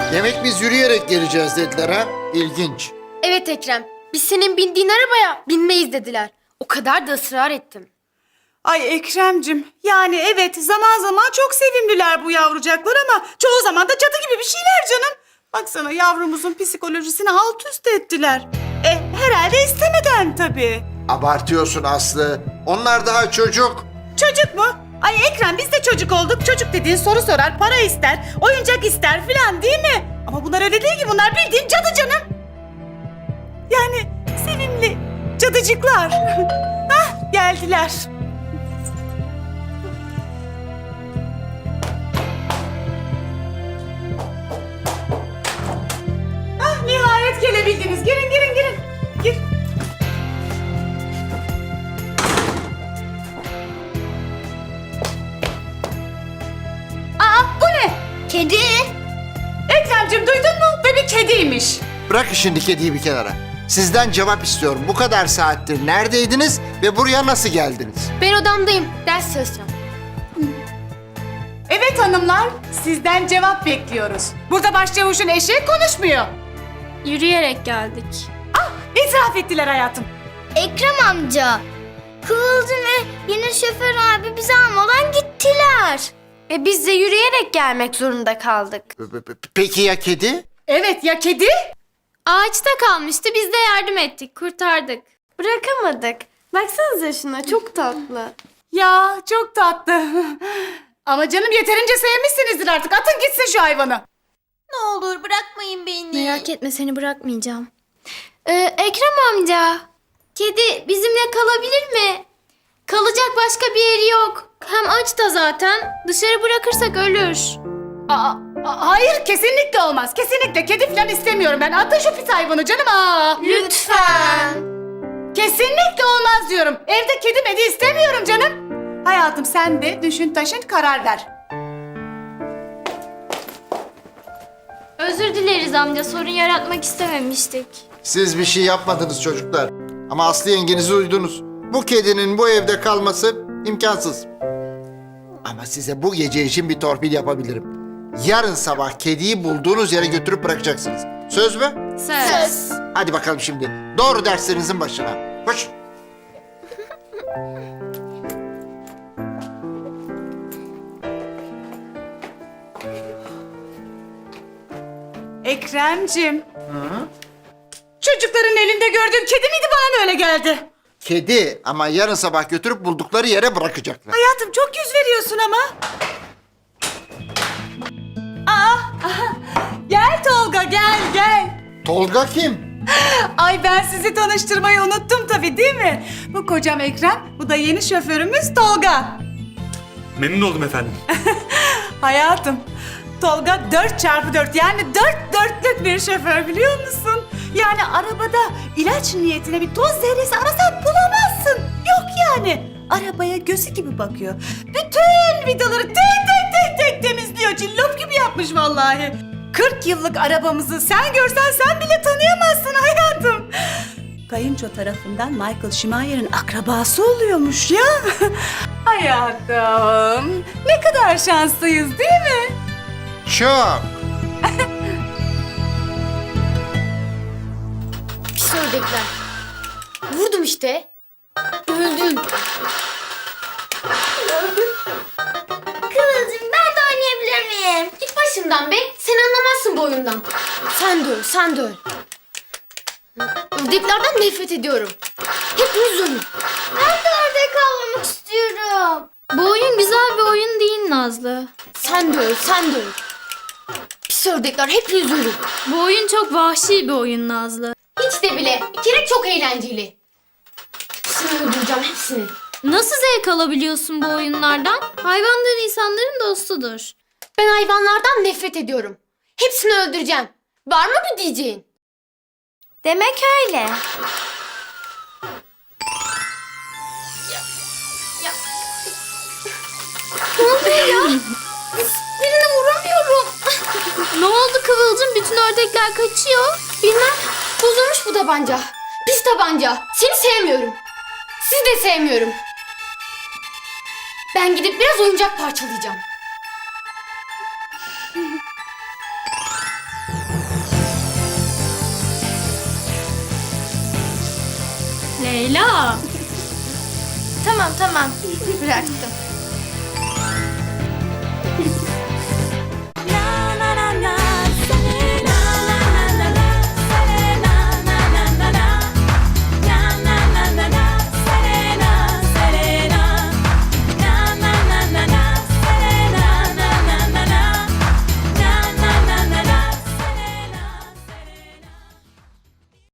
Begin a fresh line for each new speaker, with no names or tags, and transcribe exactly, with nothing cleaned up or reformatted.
Demek biz yürüyerek geleceğiz dediler ha? İlginç.
Evet Ekrem, biz senin bindiğin arabaya binmeyiz dediler. O kadar da ısrar ettim.
Ay Ekrem'cim, yani evet zaman zaman çok sevimliler bu yavrucaklar ama çoğu zaman da cadı gibi bir şeyler canım. Baksana yavrumuzun psikolojisini alt üst ettiler. E herhalde istemeden tabii.
Abartıyorsun Aslı. Onlar daha çocuk.
Çocuk mu? Ay Ekrem biz de çocuk olduk. Çocuk dediğin soru sorar, para ister, oyuncak ister filan değil mi? Ama bunlar öyle değil ki, bunlar bildiğin cadı canım. Yani sevimli cadıcıklar. Hah geldiler. Ah nihayet gelebildiniz. Girin girin girin. Gir. Aa bu ne?
Kedi.
Ekrem'cim duydun mu? Ve bir kediymiş.
Bırak şimdi kediyi bir kenara. Sizden cevap istiyorum. Bu kadar saattir neredeydiniz ve buraya nasıl geldiniz?
Ben odamdayım, ders çalışacağım.
Evet hanımlar, sizden cevap bekliyoruz. Burada başçavuşun eşi konuşmuyor.
Yürüyerek geldik.
Ah, itiraf ettiler hayatım.
Ekrem amca. Kıvılcım ve yine şoför abi bizi almadan gittiler.
E biz de yürüyerek gelmek zorunda kaldık.
P- p- Peki ya kedi?
Evet ya kedi?
Ağaçta kalmıştı, biz de yardım ettik, kurtardık. Bırakamadık. Baksanıza şuna, çok tatlı.
Ya çok tatlı. Ama canım yeterince sevmişsinizdir artık. Atın gitsin şu hayvanı.
Ne olur bırakmayın beni.
Merak etme, seni bırakmayacağım. Ee, Ekrem amca, kedi bizimle kalabilir mi? Kalacak başka bir yeri yok. Hem aç da zaten. Dışarı bırakırsak ölür.
Aa, a- hayır kesinlikle olmaz. Kesinlikle kedi falan istemiyorum ben. Atın şu pis hayvanı canım. Aa.
Lütfen.
Kesinlikle olmaz diyorum. Evde kedi medi istemiyorum canım. Hayatım sen de düşün taşın karar ver.
Özür dileriz amca, sorun yaratmak istememiştik.
Siz bir şey yapmadınız çocuklar. Ama Aslı yengenizi uydunuz. Bu kedinin bu evde kalması imkansız. Ama size bu gece için bir torpil yapabilirim. Yarın sabah kediyi bulduğunuz yere götürüp bırakacaksınız. Söz mü?
Söz.
Hadi bakalım şimdi. Doğru derslerinizin başına. Koş.
Ekrem'cim. Çocukların elinde gördüğüm kedi miydi, bana mı öyle geldi?
Kedi ama yarın sabah götürüp buldukları yere bırakacaklar.
Hayatım çok yüz veriyorsun ama. Aa, aha. Gel Tolga gel gel.
Tolga kim?
Ay ben sizi tanıştırmayı unuttum tabii değil mi? Bu kocam Ekrem, bu da yeni şoförümüz Tolga.
Memnun oldum efendim.
Hayatım, Tolga dört çarpı dört yani dört dörtlük bir şoför biliyor musun? Yani arabada ilaç niyetine bir toz zerresi arasan bulamazsın. Yok yani. Arabaya gözü gibi bakıyor. Bütün vidaları tek tek tek tek temizliyor. Cillop gibi yapmış vallahi. kırk yıllık arabamızı sen görsen sen bile tanıyamazsın hayatım. Kayınço tarafından Michael Schumacher'ın akrabası oluyormuş ya. Hayatım, ne kadar şanslıyız değil mi?
Çok.
Pis ördekler. Vurdum işte. Öldüm.
Kıvılcım ben de oynayabilir miyim?
Git başımdan be. Sen anlamazsın bu oyundan. Sen de öl, sen de öl. Ördeklerden nefret ediyorum. Hepiniz ölün.
Ben de ördek avlamak istiyorum.
Bu oyun güzel bir oyun değil Nazlı. Sen de öl, sen de öl. Pis ördekler, hepiniz ölün. Bu oyun çok vahşi bir oyun Nazlı. Hiç de bile. Bir kere çok eğlenceli. Hepsini öldüreceğim, hepsini. Nasıl zevk alabiliyorsun bu oyunlardan? Hayvanlar insanların dostudur. Ben hayvanlardan nefret ediyorum. Hepsini öldüreceğim. Var mı bir diyeceğin?
Demek öyle.
Ne oluyor ya? Birini vuramıyorum. Ne oldu Kıvılcım? Bütün ördekler kaçıyor. Bilmem. Bozulmuş bu tabanca. Pis tabanca. Seni sevmiyorum. Sizi de sevmiyorum. Ben gidip biraz oyuncak parçalayacağım. Leyla.
Tamam tamam bıraktım.